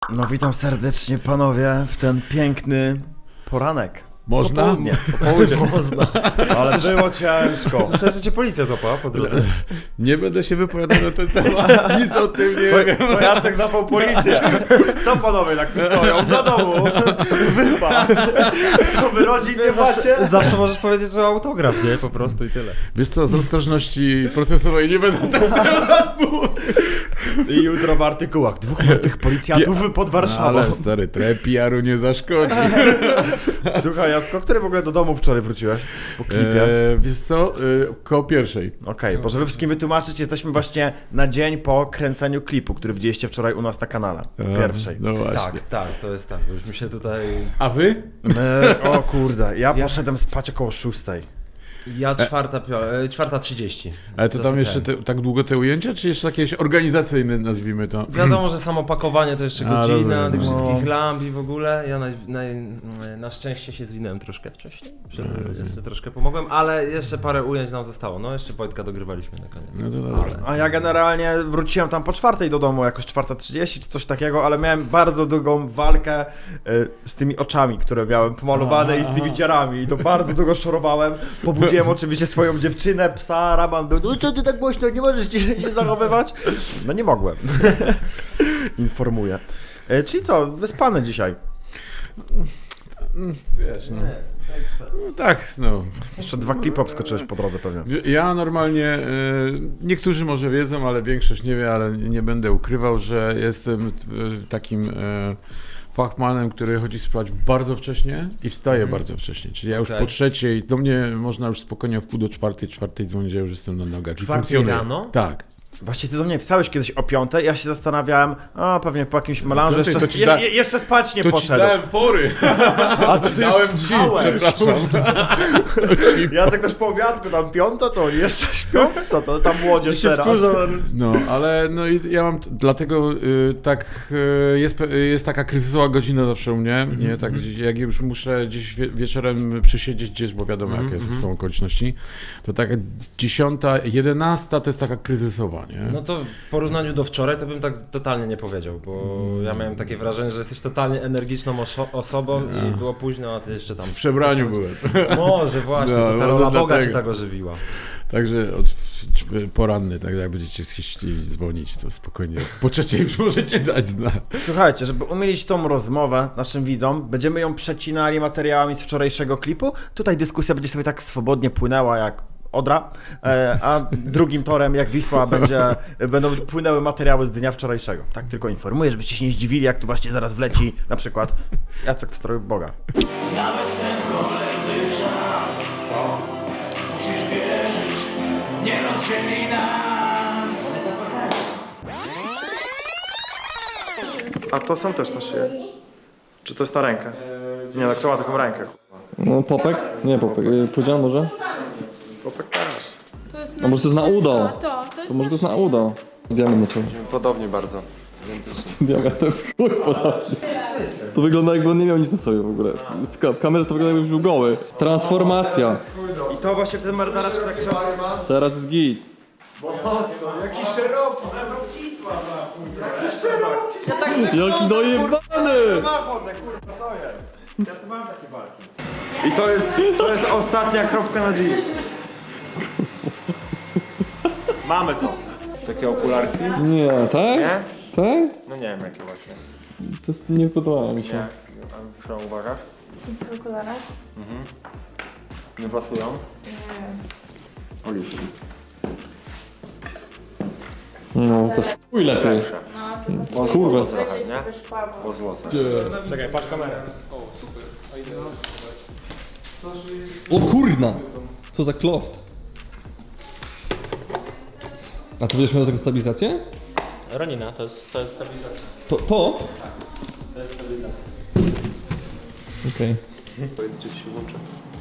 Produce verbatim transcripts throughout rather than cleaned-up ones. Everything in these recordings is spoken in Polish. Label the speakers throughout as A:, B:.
A: No witam serdecznie panowie w ten piękny poranek.
B: Można?
A: Popołudnie. Popołudnie. Można. Ale było ciężko.
C: Słyszę, że cię policja złapała po drodze.
B: Nie będę się wypowiadał na ten temat, nic o tym nie
A: To,
B: wiem.
A: to Jacek zapał policję. Co panowie tak tu stoją? Do domu. Wypad. Co wy rodzin nie macie?
C: Zawsze możesz powiedzieć, że autograf, nie? Po prostu i tyle.
B: Wiesz co, z ostrożności procesowej nie będę na ten temat mówił.
A: I jutro w artykułach dwóch martwych policjantów pod Warszawą.
B: No, ale stary, trochę P R u nie zaszkodzi.
A: Słuchaj Jacko, który w ogóle do domu wczoraj wróciłeś? Po klipie.
B: E, wiesz co, e, koło pierwszej.
A: Okej, okay, bo żeby wszystkim wytłumaczyć, jesteśmy właśnie na dzień po kręceniu klipu, który widzieliście wczoraj u nas na kanale.
B: E,
A: Pierwszej.
B: No właśnie.
C: Tak, tak, to jest tak. Już mi się tutaj...
B: A wy?
A: E, o kurde, ja poszedłem spać około szóstej.
C: Ja czwarta, pio... e, czwarta trzydzieści.
B: Ale to tam jeszcze te, tak długo te ujęcia, czy jeszcze jakieś organizacyjne, nazwijmy to?
C: Wiadomo, że samo pakowanie to jeszcze
B: A,
C: godzina,
B: rozumiem.
C: tych
A: No.
C: wszystkich lamp i w ogóle. Ja na, na, na szczęście się zwinąłem troszkę wcześniej. Przed, jeszcze troszkę pomogłem, ale jeszcze parę ujęć nam zostało. No jeszcze Wojtka dogrywaliśmy na koniec.
B: No to dobrze.
A: A ja generalnie wróciłem tam po czwartej do domu, jakoś czwarta trzydzieści czy coś takiego, ale miałem bardzo długą walkę y, z tymi oczami, które miałem pomalowane i z tymi dziarami i to bardzo długo szorowałem. Pobudziłem oczywiście swoją dziewczynę, psa, Raban był, no co ty tak głośno, nie możesz ciszej się zachowywać? No nie mogłem. Informuję. Y, czyli co, wyspany dzisiaj?
B: Wiesz, no. No tak, no.
A: Jeszcze dwa klipy obskoczyłeś po drodze pewnie.
B: Ja normalnie, e, niektórzy może wiedzą, ale większość nie wie, ale nie będę ukrywał, że jestem e, takim e, fachmanem, który chodzi spać bardzo wcześnie i wstaje
C: Mhm.
B: bardzo wcześnie. Czyli ja już
C: Okay.
B: po trzeciej, do mnie można już spokojnie w pół do czwartej, czwartej dzwonić, ja już jestem na nogach. i
C: Czwartej
B: funkcjonuję.
C: rano?
B: Tak.
A: Właśnie ty do mnie pisałeś kiedyś o piątej, ja się zastanawiałem, a pewnie po jakimś melanżu
B: piątej
A: jeszcze,
B: to ci
A: je,
B: da-
A: je, jeszcze spać nie
B: To ci
A: poszedł.
B: dałem fory.
A: A to ty już
B: Dałem ci,
A: wstałeś.
B: przepraszam.
A: Jacek też po obiadku, tam piąta, to oni jeszcze śpią? Co to, tam młodzież teraz?
B: No, ale no i ja mam, t- dlatego y, tak y, jest, pe- jest taka kryzysowa godzina zawsze u mnie, nie, tak gdzieś, jak już muszę gdzieś wie, wieczorem przysiedzieć gdzieś, bo wiadomo jakie jest, są okoliczności, to taka dziesiąta, jedenasta to jest taka kryzysowa, nie?
C: No to w porównaniu do wczoraj to bym tak totalnie nie powiedział, bo ja miałem takie wrażenie, że jesteś totalnie energiczną oso- osobą i było późno, a ty jeszcze tam...
B: W przebraniu byłem.
C: Może właśnie,
B: No,
C: to ta
B: może
C: rola Boga
B: dlatego.
C: cię tak ożywiła.
B: Także od, poranny, tak jak będziecie chcieli dzwonić, to spokojnie. Po trzeciej już możecie dać znać.
A: Słuchajcie, żeby umilić tą rozmowę naszym widzom, będziemy ją przecinali materiałami z wczorajszego klipu. Tutaj dyskusja będzie sobie tak swobodnie płynęła jak Odra, e, a drugim torem jak Wisła będzie, będą płynęły materiały z dnia wczorajszego. Tak tylko informuję, żebyście się nie zdziwili, jak tu właśnie zaraz wleci na przykład Jacek w stroju Boga.
D: Nawet ten kolejny czas musisz wierzyć, nie rozdzieli nas.
A: A to sam też na szyję? Czy to jest na rękę? Nie, no kto ma taką rękę?
E: No popek? Nie popek, yy, Pudzian może?
A: Popek też.
F: To jest
E: A może to jest na udo?
F: To, to jest
E: To może to jest na udo. Diament na czole.
G: Podobnie bardzo.
E: Diament to w chuj podobnie. To wygląda jakby on nie miał nic na sobie w ogóle. Tylko w kamerze to wygląda jakby był goły. Transformacja.
A: I to właśnie w ten marynareczku tak trzeba...
E: Teraz jest git.
A: Jaki szeroki!
E: Jaki dojebany!
A: Chodzę, kurwa, co jest? Ja tu mam takie walki. I to jest, to jest ostatnia kropka na D. Mamy to.
G: Takie okularki?
E: Nie, tak?
G: Nie?
E: Tak?
G: No nie wiem jakie właśnie.
E: To jest, nie podoba mi się.
G: Nie. A przy uwagach?
F: w okularach.
G: Nie pasują? Nie. Oliwki.
E: No to w chuj lepiej.
G: Lepsze.
F: No,
G: O
E: Kurwa.
G: złoto trochę, nie? O złoto.
E: O kurna! Co za kloft. A ty będziesz miał do tego stabilizację?
H: Ronina, to jest, to jest stabilizacja.
E: To? To?
H: To jest stabilizacja.
E: Okej.
G: Powiedz, czy ci się włączy.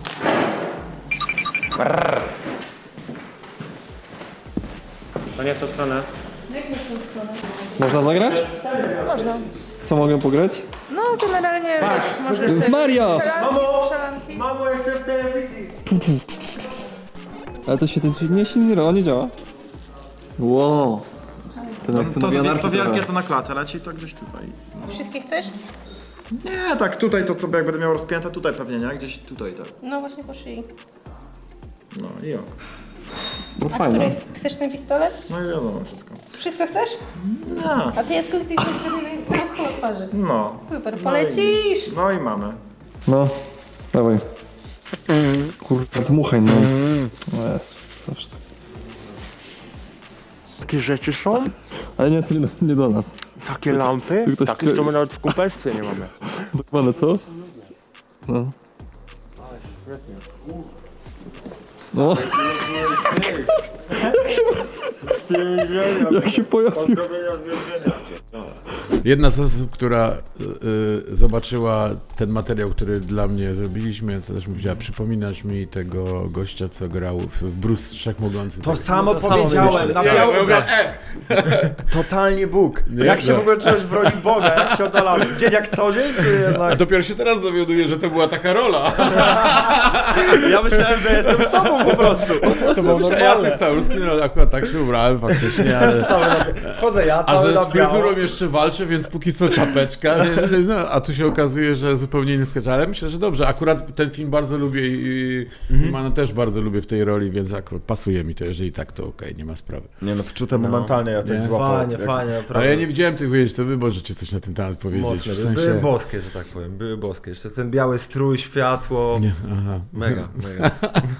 H: To nie w tą stronę.
F: Jak nie w tą stronę?
E: Można zagrać?
F: Można.
E: Co mogę pograć?
F: No generalnie wiesz, możesz
E: jest
F: sobie
E: Maria!
F: strzelanki, strzelanki.
A: Mamo, jestem w telewizji.
E: Ale to się ten nie się nie, nie działa. Wow. Ten jak
A: To,
E: synowie
A: to,
E: anarchii
A: to wielkie
E: trochę.
A: to na klatę leci, to gdzieś tutaj.
F: Wszystkie chcesz?
A: Nie, tak tutaj to co jak będę miał rozpięte, tutaj pewnie, nie? Gdzieś tutaj tak.
F: No właśnie po szyi.
A: No i ok.
E: No
F: A
E: fajne.
F: który? ch- Chcesz ten pistolet?
A: No i wiadomo wszystko.
F: Wszystko chcesz?
A: No.
F: A ty jest ty chcesz wtedy na koło twarzy.
A: No.
F: Super, polecisz!
A: No i mamy.
E: No, dawaj. Kurwa, dmuchaj, no. O Jezus, zawsze tak.
G: Takie rzeczy są?
E: Ale nie, to nie do, nie do nas.
G: Takie lampy?
E: Ktoś
G: Takich,
E: kre-
G: co my nawet w kumpelstwie nie mamy.
E: Dokładnie, co? No. No. Jak się pojawił.
B: Jedna z osób, która y, y, zobaczyła ten materiał, który dla mnie zrobiliśmy, to też mówiła, przypominasz mi tego gościa, co grał w, w Bruce Wszechmogący.
A: To
B: Tak.
A: samo
C: to samo
A: powiedziałem,
C: myślę.
A: na
B: Ja
A: biało.
B: mówię, e!
A: Totalnie Bóg.
B: Nie,
A: Jak się
B: no.
A: w ogóle czułeś w roli Boga? Jak się oddalałeś? Dzień jak co dzień, czy
B: A
A: jednak...
B: dopiero się teraz dowiaduję, że to była taka rola.
A: Ja myślałem, że jestem sobą po prostu. Po prostu
B: To był Jacek Stałurski, no akurat tak się ubrałem faktycznie, ale...
A: Wchodzę ja,
B: A
A: cały
B: że
A: na
B: z
A: biało.
B: fryzurą jeszcze walczę, więc póki co czapeczka, nie, no, a tu się okazuje, że zupełnie inny sketch, ale myślę, że dobrze, akurat ten film bardzo lubię i mhm. Mana też bardzo lubię w tej roli, więc akurat pasuje mi to, jeżeli tak, to okej, nie ma sprawy.
A: Nie no, wczute momentalnie ja
B: Nie?
A: tak złapał.
C: Fajnie,
A: jak-
C: fajnie,
B: Ale
C: naprawdę.
B: ja nie widziałem tych ujęć, to wy możecie coś na ten temat powiedzieć.
C: Mocne,
B: w sensie...
C: były boskie, że tak powiem, były boskie. Jeszcze ten biały strój, światło,
B: Nie, aha.
C: mega, mega.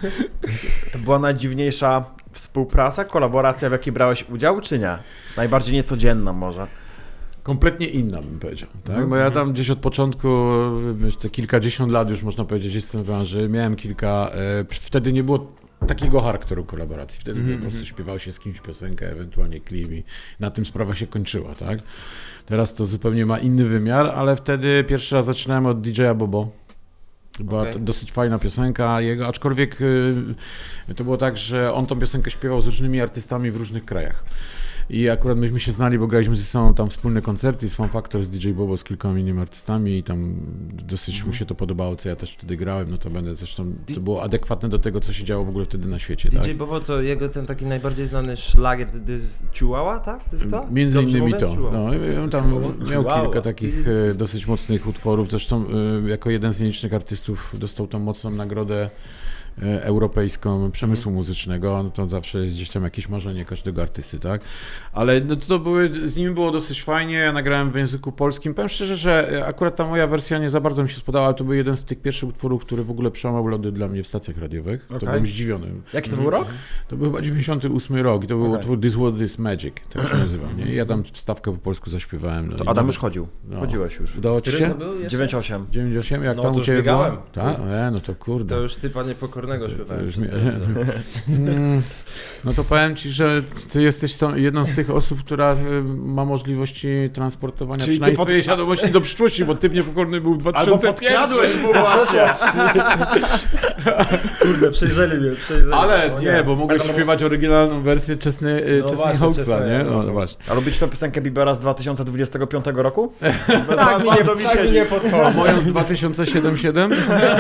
A: To była najdziwniejsza współpraca, kolaboracja, w jakiej brałeś udział, czy nie? Najbardziej niecodzienna może.
B: Kompletnie inna, bym powiedział, tak? Bo ja tam gdzieś od początku, wiesz, te kilkadziesiąt lat już można powiedzieć jestem w branży, miałem kilka, e, wtedy nie było takiego charakteru kolaboracji, wtedy
C: Mhm,
B: po prostu śpiewało się z kimś piosenkę, ewentualnie klip i na tym sprawa się kończyła, tak? Teraz to zupełnie ma inny wymiar, ale wtedy pierwszy raz zaczynałem od D J a Bobo. Była
C: Okej.
B: to dosyć fajna piosenka jego, aczkolwiek y, to było tak, że on tą piosenkę śpiewał z różnymi artystami w różnych krajach. I akurat myśmy się znali, bo graliśmy ze sobą tam wspólne koncerty z Fun Factor, z D J Bobo, z kilkoma innymi artystami i tam dosyć mu się to podobało, co ja też wtedy grałem, no to będę zresztą, to było adekwatne do tego, co się działo w ogóle wtedy na świecie, tak?
C: D J Bobo to jego ten taki najbardziej znany szlagier, to jest Chihuahua, tak? To jest to?
B: Między
C: Dobrze
B: innymi
C: mówię?
B: to.
C: Chihuahua.
B: No, i on tam miał
C: Chihuahua.
B: kilka takich e, dosyć mocnych utworów. Zresztą e, jako jeden z nielicznych artystów dostał tą mocną nagrodę e, europejską przemysłu muzycznego. No to zawsze jest gdzieś tam jakieś marzenie każdego artysty, tak? Ale no, to były, z nim było dosyć fajnie. Ja nagrałem w języku polskim. Powiem szczerze, że akurat ta moja wersja nie za bardzo mi się spodobała. To był jeden z tych pierwszych utworów, który w ogóle przełamał lody dla mnie w stacjach radiowych. To
A: Okej.
B: byłem zdziwiony.
A: Jaki to był rok?
B: To był chyba dziewięćdziesiąty ósmy rok i to był
A: Okej.
B: utwór This World is Magic, tak się nazywał, nie? I ja tam wstawkę po polsku zaśpiewałem. No
A: To
B: i
A: Adam
B: no,
A: już chodził.
B: no.
A: Chodziłeś już.
B: Udało ci
C: Który
B: się?
C: to był jeszcze?
A: dziewięć osiem.
B: dziewięć osiem, jak
C: No,
B: tam
C: to
B: u
C: już
B: Ciebie
C: biegałem.
B: było? Tak? E, no to kurde.
C: To już typa niepokornego
B: To
C: śpiewałem.
B: już
C: przed
B: mi-
C: tym.
B: Mm, No to powiem Ci, że Ty jesteś tą- jedną z tych osób, która y, ma możliwości transportowania
A: Czyli ty
B: przynajmniej
A: pod-
B: swojej świadomości do przyszłości, bo Typ Niepokorny był w dwa
A: Albo
B: tysiące pierwszym.
A: podkradłeś mu właśnie.
C: Kurde, przejrzeli mnie, przejrzeli.
B: Ale
C: O
B: nie, bo mogłeś śpiewać oryginalną wersję Chesney, y,
C: No
B: Chesney
C: właśnie,
B: Hawksa,
C: Chesney,
B: nie?
C: no.
B: No właśnie.
A: A lubicie tę piosenkę Biebera z dwa tysiące dwudziestego piątego roku?
C: Tak mi nie,
A: mi
C: tak mi
A: siedzi.
C: nie
B: A
C: podchodzi.
B: moją z dwa tysiące siedem siedem?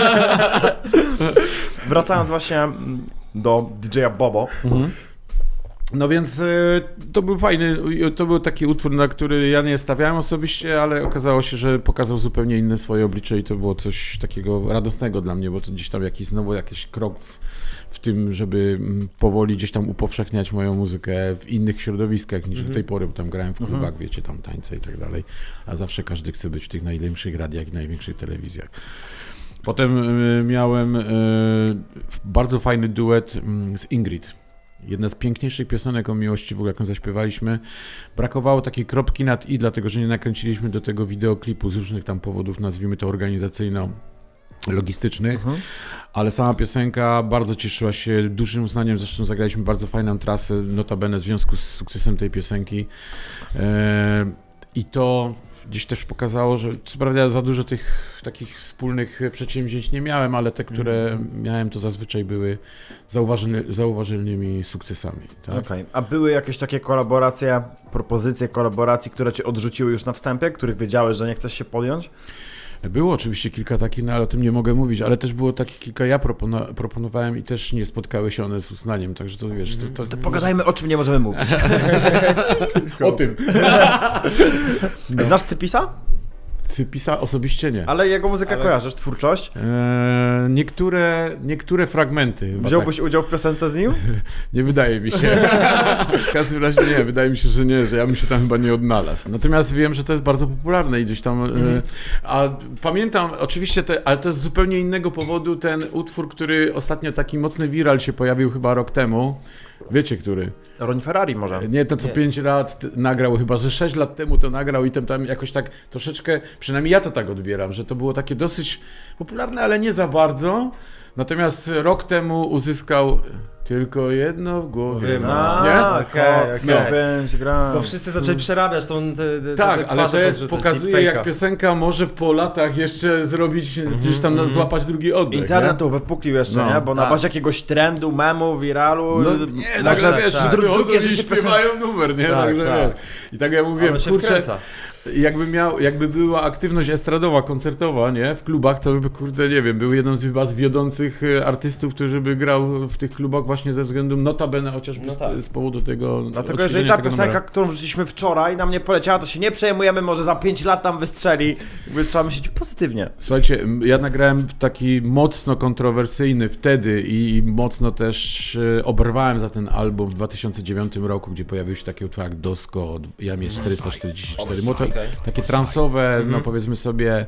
A: Wracając właśnie mm, do D J a Bobo.
B: No więc y, to był fajny, y, to był taki utwór, na który ja nie stawiałem osobiście, ale okazało się, że pokazał zupełnie inne swoje oblicze i to było coś takiego radosnego dla mnie, bo to gdzieś tam jakiś znowu jakiś krok w, w tym, żeby mm, powoli gdzieś tam upowszechniać moją muzykę w innych środowiskach niż do tej pory, bo tam grałem w klubach, wiecie, tam tańce i tak dalej, a zawsze każdy chce być w tych najlepszych radiach i największych telewizjach. Potem y, miałem y, bardzo fajny duet y, z Ingrid. Jedna z piękniejszych piosenek o miłości, w ogóle jaką zaśpiewaliśmy. Brakowało takiej kropki nad i, dlatego że nie nakręciliśmy do tego wideoklipu z różnych tam powodów, nazwijmy to organizacyjno-logistycznych, ale sama piosenka bardzo cieszyła się dużym uznaniem, zresztą zagraliśmy bardzo fajną trasę, notabene w związku z sukcesem tej piosenki. E, I to gdzieś też pokazało, że co prawda ja za dużo tych takich wspólnych przedsięwzięć nie miałem, ale te, które miałem, to zazwyczaj były zauważalny, zauważalnymi sukcesami. Tak?
A: Okej. A były jakieś takie kolaboracje, propozycje kolaboracji, które cię odrzuciły już na wstępie, których wiedziałeś, że nie chcesz się podjąć?
B: Było oczywiście kilka takich, no ale o tym nie mogę mówić, ale też było takich kilka, ja propono- proponowałem i też nie spotkały się one z uznaniem, także to wiesz... To, to,
A: To pogadajmy, o czym nie możemy mówić.
B: o tym.
A: Znasz Cypisa?
B: Cypisa osobiście nie.
A: Ale jego muzykę
B: Ale-
A: kojarzysz, twórczość?
B: Eee, niektóre, niektóre fragmenty. chyba
A: Wziąłbyś
B: tak.
A: udział w piosence z nim?
B: Nie wydaje mi się. W każdym razie nie, wydaje mi się, że nie, że ja bym się tam chyba nie odnalazł. Natomiast wiem, że to jest bardzo popularne i gdzieś tam...
A: Mhm.
B: E, a pamiętam, oczywiście, to, ale to jest z zupełnie innego powodu ten utwór, który ostatnio taki mocny viral się pojawił chyba rok temu. Wiecie, który?
A: Ron Ferrari może.
B: Nie to, co pięć lat t- nagrał, chyba że sześć lat temu to nagrał i tam, tam jakoś tak troszeczkę, przynajmniej ja to tak odbieram, że to było takie dosyć popularne, ale nie za bardzo. Natomiast rok temu uzyskał tylko jedno w głowie.
C: Wiem,
B: ma,
A: A,
B: nie?
A: okej,
C: Cox,
A: okej.
C: no.
A: Pięć gram.
C: Bo wszyscy zaczęli przerabiać tą te, te,
B: Tak,
C: te
B: ale to
C: twarze
B: jest,
C: podrzucać,
B: pokazuje
C: deepfake'a.
B: jak piosenka może po latach jeszcze zrobić, gdzieś tam na- złapać drugi oddech.
A: Internet
B: nie?
A: to wypuklił jeszcze,
B: No,
A: nie? Bo na
B: tak.
A: bazie jakiegoś trendu, memu, viralu...
B: No nie,
A: może-
B: nagle wiesz,
A: tak.
B: wszyscy
A: Dru-
B: chodzą
A: drugie
B: i
A: życie
B: śpiewają numer, nie?
A: Tak,
B: Także
A: tak.
B: wiesz. I tak jak mówiłem,
C: On się
B: kurczę,
C: wkręca.
B: jakby miał, jakby była aktywność estradowa, koncertowa, nie? W klubach, to by, kurde, nie wiem, był jedną z chyba z wiodących e, artystów, który by grał w tych klubach właśnie ze względu, notabene chociażby
C: No
B: z,
C: tak.
B: z powodu tego
A: Dlatego
B: odświeżenia
A: jeżeli ta
B: tego
A: piosenka,
B: numeru.
A: którą wrzuciliśmy wczoraj, nam nie poleciała, to się nie przejmujemy, może za pięć lat tam wystrzeli. Jakby trzeba myśleć pozytywnie.
B: Słuchajcie, m, ja nagrałem taki mocno kontrowersyjny wtedy i, i mocno też e, oberwałem za ten album w dwa tysiące dziewiątym roku, gdzie pojawił się taki utwór jak Dosko, Jamie czterysta czterdzieści cztery. Mo- to, takie transowe, no powiedzmy sobie,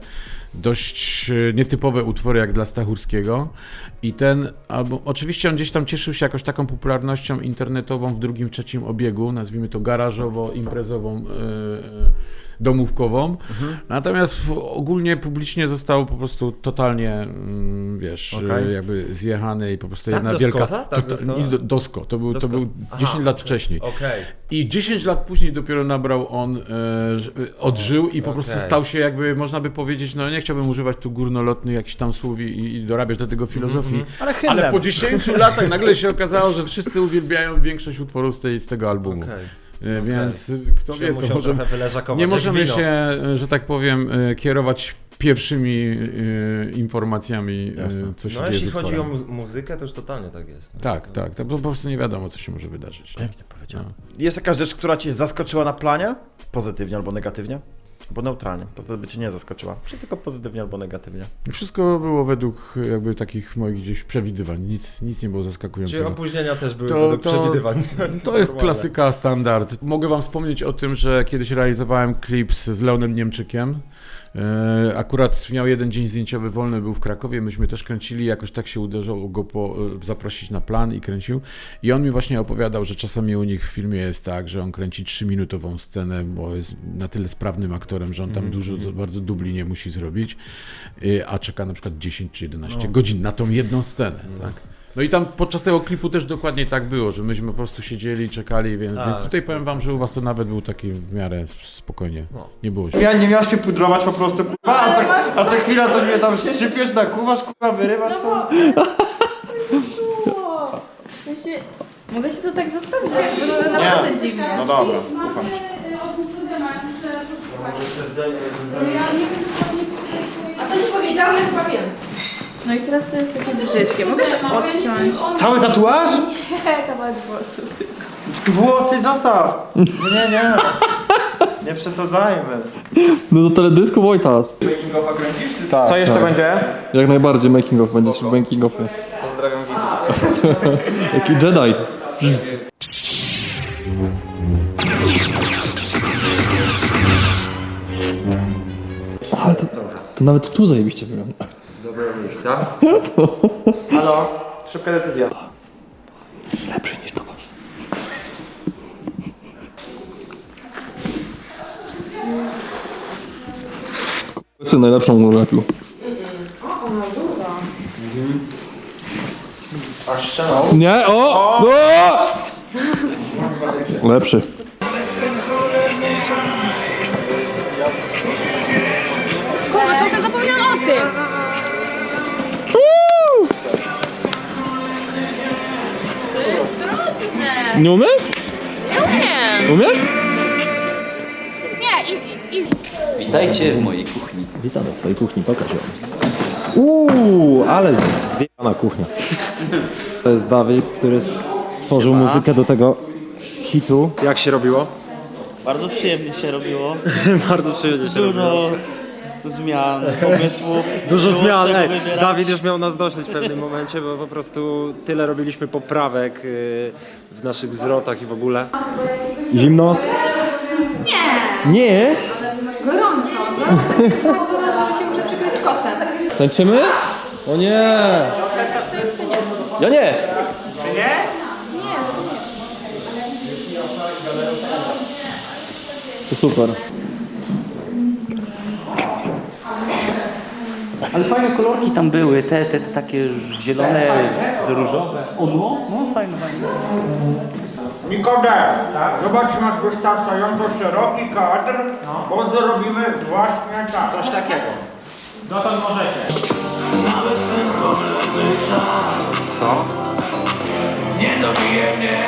B: dość e, nietypowe utwory jak dla Stachurskiego. I ten album, oczywiście on gdzieś tam cieszył się jakoś taką popularnością internetową w drugim, trzecim obiegu, nazwijmy to garażowo, imprezową, e, e, domówkową. Natomiast w- ogólnie publicznie został po prostu totalnie, mm, wiesz,
A: Okej.
B: e, jakby zjechany i po prostu
C: Tak,
B: jedna
C: Doskoza?
B: wielka...
C: Tak,
B: to,
C: została?
B: nie, do- Dosko, to był, to
C: Dosko.
B: był
C: Aha,
B: dziesięć lat
C: okej.
B: wcześniej.
C: Okej.
B: I dziesięć lat później dopiero nabrał on, e, że- odżył i po prostu
C: Okej.
B: stał się jakby, można by powiedzieć, no nie chciałbym używać tu górnolotnych jakichś tam słów i, i dorabiać do tego filozofii,
A: Ale hymnem.
B: ale po dziesięciu latach nagle się okazało, że wszyscy uwielbiają większość utworów z, tej, z tego albumu.
C: Okej.
B: E, Więc kto
C: Że
B: wie, co
C: musiał
B: może...
C: trochę wyleżakować,
B: Nie
C: jak
B: możemy
C: wino.
B: się, e, że tak powiem, e, kierować pierwszymi e, informacjami, e,
A: Jasne.
B: co się
C: No
B: dzieje
C: jeśli
B: z
C: chodzi o
B: utworem.
C: mu- muzykę, to już totalnie tak jest. No.
B: Tak, tak, tak, bo po prostu nie wiadomo, co się może wydarzyć.
A: Pięknie powiedziałem.
B: No.
A: Jest jakaś rzecz, która cię zaskoczyła na planie? Pozytywnie albo negatywnie? Albo neutralnie. To wtedy by cię nie zaskoczyła. Czy tylko pozytywnie albo negatywnie?
B: Wszystko było według jakby takich moich gdzieś przewidywań, nic, nic nie było
C: Czyli
B: zaskakującego.
C: opóźnienia też były
B: To-
C: według
B: to-
C: przewidywań.
B: To jest klasyka, standard. Mogę wam wspomnieć o tym, że kiedyś realizowałem klip z z Leonem Niemczykiem. E, Akurat miał jeden dzień zdjęciowy wolny, był w Krakowie, myśmy też kręcili, jakoś tak się uderzało go po, e, zaprosić na plan i kręcił. I on mi właśnie opowiadał, że czasami u nich w filmie jest tak, że on kręci trzyminutową scenę, bo jest na tyle sprawnym aktorem, że on tam dużo, bardzo dubli nie musi zrobić, e, a czeka na przykład dziesięć czy jedenaście godzin na tą jedną scenę. Tak? No i tam podczas tego klipu też dokładnie tak było, że myśmy po prostu siedzieli, czekali, więc,
C: Tak.
B: więc tutaj powiem wam, że u was to nawet był taki w miarę spokojnie.
C: No.
B: Nie było się.
A: Ja nie miałaś się pudrować po prostu, kurwa, a co, a co chwila coś mnie tam szczypiesz, nakuwasz, kurwa, wyrywasz co?
F: W sensie, mogę ci to tak zostawić, ale to wygląda naprawdę dziwnie.
A: No dobra, ufam ci.
F: A co ci powiedział? Ja chyba wiem. No i teraz to jest takie brzydkie. Mogę to odciąć?
A: Cały tatuaż?
F: Kawałek włosów tylko.
A: Włosy zostaw! Nie, nie, nie. Nie przesadzajmy.
E: No to teledysku Wojtas. Tak,
H: Co jeszcze
E: tak.
H: będzie?
E: Jak najbardziej making of, będziesz w making offie.
C: Pozdrawiam widzów.
E: Jaki Jedi. Ale to, to nawet tu zajebiście wygląda.
C: Dobra miejsca.
H: Halo? Szybka decyzja.
E: Lepszy niż to masz. Sy najlepszą ulepił. Nie, o! o! Lepszy.
F: Kurwa, co ty zapomniałam o tym?
E: Nie umiesz?
F: Nie umiem.
E: Umiesz?
F: Nie, easy, easy.
I: Witajcie w mojej kuchni.
E: Witamy w twojej kuchni, pokaż ją. Uuu, ale zjebana kuchnia. To jest Dawid, który stworzył muzykę do tego hitu.
H: Jak się robiło?
I: Bardzo przyjemnie się robiło.
H: Bardzo przyjemnie się
I: Dużo zmian, pomysłów.
H: Dużo
I: Było
H: zmian.
I: czego
H: Ej,
I: wybierać.
H: Dawid już miał nas dosyć w pewnym momencie, bo po prostu tyle robiliśmy poprawek yy, w naszych zwrotach i w ogóle.
E: Zimno?
F: Nie,
E: Nie?
F: gorąco. Gorąco jest tak gorąco, że się muszę przykryć kocem.
E: Tańczymy? O nie! Ja nie! To super.
I: Ale fajne kolorki tam były, te, te, te takie zielone z różowe. Odło? No fajne, fajne.
J: Nikodem, zobacz, masz wystarczająco szeroki kadr, bo zrobimy właśnie tak. Coś takiego. Dotąd możecie.
D: Nawet ten cholerny czas.
C: Co?
D: Nie dobije mnie.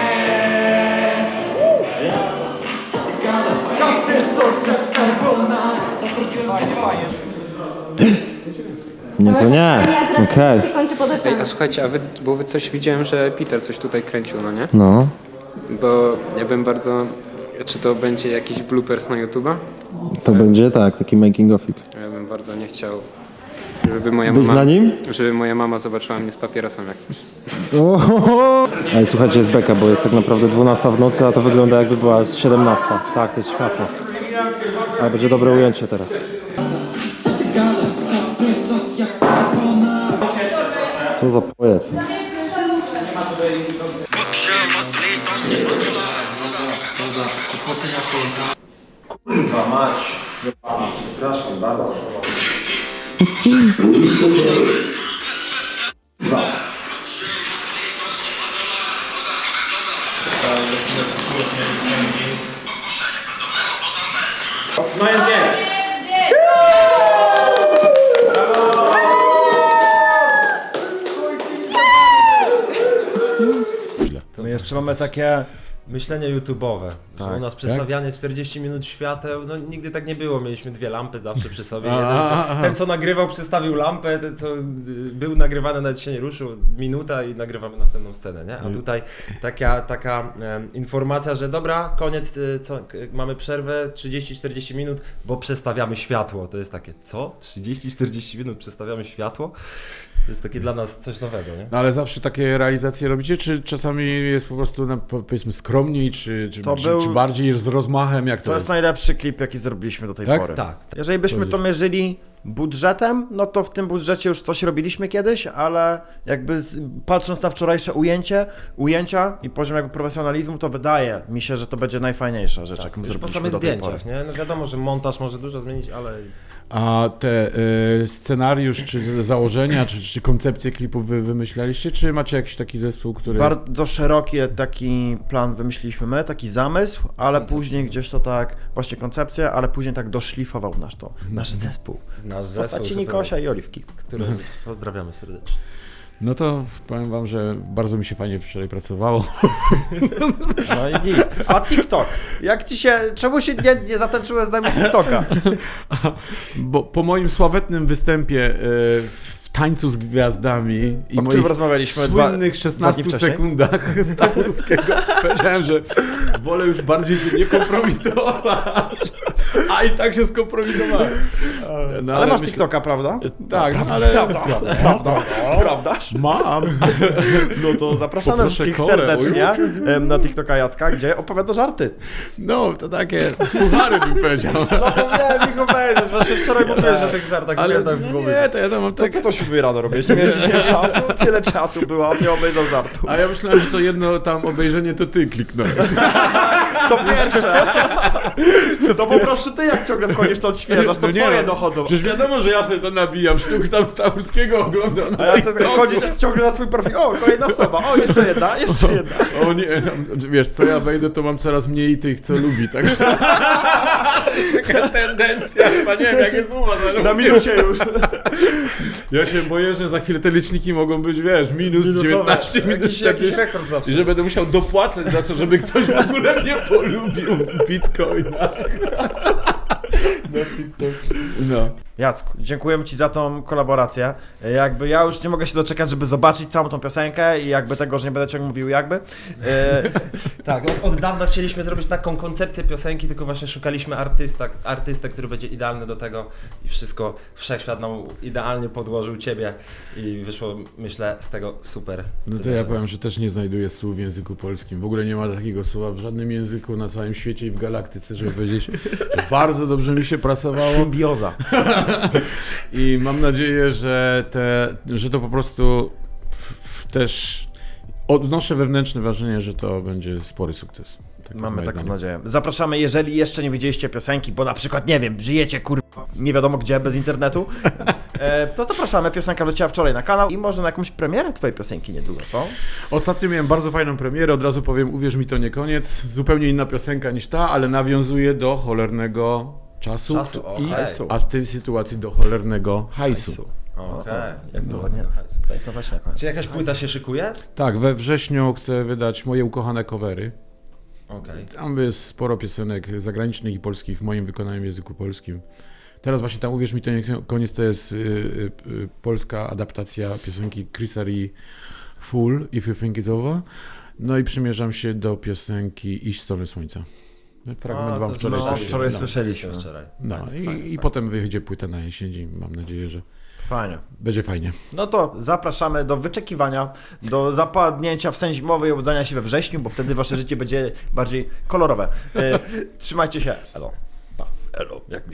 E: Nie, to nie. Okej.
F: się kończy pod oczami.
K: A słuchajcie, a wy, bo wy coś widziałem, że Peter coś tutaj kręcił, no nie?
E: No.
K: Bo ja bym bardzo... Czy to będzie jakiś bloopers na YouTube'a?
E: To będzie tak, taki making ofik.
K: Ja bym bardzo nie chciał, żeby moja
E: Być
K: mama...
E: na nim?
K: Żeby moja mama zobaczyła mnie z papierosem jak coś.
E: Ohoho. Ej, słuchajcie, jest beka, bo jest tak naprawdę dwunasta w nocy, a to wygląda jakby była siedemnasta. Tak, to jest światło. Ale będzie dobre ujęcie teraz. Co za pojeb.
C: Kurwa mać. Przepraszam bardzo.
J: No jest dzień.
A: My jeszcze mamy takie...
C: Myślenie YouTube'owe. Że
A: Tak.
C: u nas przestawianie czterdzieści minut świateł, no nigdy tak nie było. Mieliśmy dwie lampy zawsze przy sobie.
B: A,
C: Jeden,
B: a, a.
C: ten co nagrywał przestawił lampę, ten co y, był nagrywany nawet się nie ruszył, minuta i nagrywamy następną scenę, nie? A tutaj taka, taka em, informacja, że dobra, koniec, y, co, k- mamy przerwę trzydzieści czterdzieści minut, bo przestawiamy światło. To jest takie, co? trzydzieści czterdzieści minut przestawiamy światło? To jest takie dla nas coś nowego, nie?
B: No ale zawsze takie realizacje robicie, czy czasami jest po prostu, no, powiedzmy, skromniej, czy, czy,
A: To
B: czy,
A: był-
B: czy bardziej z rozmachem, jak to,
A: To jest najlepszy klip, jaki zrobiliśmy do tej
B: Tak?
A: pory.
C: Tak.
A: Jeżeli byśmy to mierzyli budżetem, no to w tym budżecie już coś robiliśmy kiedyś, ale jakby z, patrząc na wczorajsze ujęcie, ujęcia i poziom jakby profesjonalizmu, to wydaje mi się, że to będzie najfajniejsza rzecz, jaką
C: Już po
A: zrobiliśmy
C: samych
A: do tej pory.
C: zdjęciach, nie? No wiadomo, że montaż może dużo zmienić, ale...
B: A te y, scenariusz, czy założenia, czy, czy koncepcje klipów wy wymyślaliście, czy macie jakiś taki zespół, który...
A: Bardzo szeroki taki plan wymyśliliśmy my, taki zamysł, ale później gdzieś to tak, właśnie koncepcja, ale później tak doszlifował nasz to, nasz zespół.
C: Nasz
A: W
C: zespół,
A: postaci
C: zupełnie,
A: Nikosia i Oliwki.
C: który pozdrawiamy serdecznie.
B: No to powiem wam, że bardzo mi się fajnie wczoraj pracowało.
A: No i git. A TikTok? Jak ci się, czemu się nie, nie zatańczyłeś z nami TikToka?
B: Bo po moim sławetnym występie y, w tańcu z gwiazdami i
A: O którym
B: moich
A: rozmawialiśmy dwa-
B: słynnych
A: dwa
B: szesnastu
A: dni wcześniej.
B: sekundach Stachurskiego powiedziałem, że wolę już bardziej się nie kompromitować. A i tak się skompromitowałem. No,
A: ale masz
B: myślę-
A: TikToka, prawda?
B: Tak,
A: prawda,
B: ale...
A: prawda, prawda, prawdaż?
B: Mam.
A: No to zapraszamy
B: Poproszę
A: wszystkich
B: kolę.
A: serdecznie em, na TikToka Jacka, gdzie opowiada żarty.
B: No, to takie suchary bym powiedział.
A: Zapomniałem ich opowiedzieć, właśnie wczoraj mówiłem o tych żartach.
B: Ale
A: opowiadam w
B: no
A: głowie.
B: nie, to ja tam mam
A: To
B: tak...
A: co to siódmej rano robisz? Nie miałeś dzisiaj czasu? Tyle czasu było, a nie obejrzał żartu.
B: A ja myślałem, że to jedno tam obejrzenie to ty kliknąłeś.
A: To pierwsze. To po prostu ty jak ciągle wchodzisz, to odświeżasz, to
B: No nie,
A: twoje
B: no,
A: dochodzą.
B: Przecież wiadomo, że ja sobie to nabijam, sztuk tam Stachurskiego oglądam
A: A
B: na
A: ja chcę
B: TikToku.
A: chodzić ciągle na swój profil. O, kolejna osoba. O, jeszcze jedna, jeszcze jedna.
B: O nie, tam, wiesz, co ja wejdę, to mam coraz mniej tych, co lubi, także... Taka tendencja, chyba nie wiem, jak jest u was, ale...
A: Na minusie już.
B: Ja się boję, że za chwilę te liczniki mogą być, wiesz, minus
A: Minusowe.
B: dziewiętnaście, minus
C: Jakiś, jakiś
B: czterdzieści.
C: rekord zawsze.
B: I że będę musiał dopłacać za to, żeby ktoś w ogóle mnie polubił w bitcoinach. No.
A: Jacku, dziękujemy Ci za tą kolaborację. Jakby ja już nie mogę się doczekać, żeby zobaczyć całą tą piosenkę i jakby tego, że nie będę ciągle mówił jakby. E,
C: Tak, od, od dawna chcieliśmy zrobić taką koncepcję piosenki, tylko właśnie szukaliśmy artysta, artystę, który będzie idealny do tego i wszystko, wszechświat nam idealnie podłożył Ciebie i wyszło, myślę, z tego super.
B: No to ja powiem, że też nie znajduję słów w języku polskim. W ogóle nie ma takiego słowa w żadnym języku na całym świecie i w galaktyce, żeby powiedzieć, że bardzo dobrze mi się pracowało.
A: Symbioza.
B: I mam nadzieję, że, te, że to po prostu też odnoszę wewnętrzne wrażenie, że to będzie spory sukces. Tak
A: Mamy
B: moje
A: taką
B: zdanie.
A: nadzieję. Zapraszamy, jeżeli jeszcze nie widzieliście piosenki, bo na przykład, nie wiem, żyjecie kurwa nie wiadomo gdzie, bez internetu, e, to zapraszamy. Piosenka wleciała wczoraj na kanał i może na jakąś premierę twojej piosenki niedługo, co?
B: Ostatnio miałem bardzo fajną premierę, od razu powiem, uwierz mi, to nie koniec. Zupełnie inna piosenka niż ta, ale nawiązuje do cholernego czasu,
C: Czasu,
B: i,
C: okej.
B: a w tej sytuacji do cholernego hajsu.
C: Okej.
A: Jak to
B: No.
A: ładnie. Zajtować na koniec.
C: Czy jakaś płyta się szykuje?
B: Tak, we wrześniu chcę wydać moje ukochane covery.
C: Okej.
B: Tam jest sporo piosenek zagranicznych i polskich w moim wykonaniu w języku polskim. Teraz właśnie tam, uwierz mi, to nie koniec, to jest y, y, y, polska adaptacja piosenki Chrisa Ri Full, If You Think It's Over. No i przymierzam się do piosenki Iść w stronę słońca. Fragment
C: A,
B: wam
C: to
B: wczoraj
C: no,
B: puściłem.
A: wczoraj
B: no.
A: słyszeliśmy.
C: Wczoraj.
B: No i, i potem wyjdzie płyta na jesień. Mam nadzieję, że
A: Fajnie.
B: będzie fajnie.
A: No to zapraszamy do wyczekiwania, do zapadnięcia w sen zimowy i obudzania się we wrześniu, bo wtedy wasze życie będzie bardziej kolorowe. E, trzymajcie się. Elo. Pa. Elo. Jak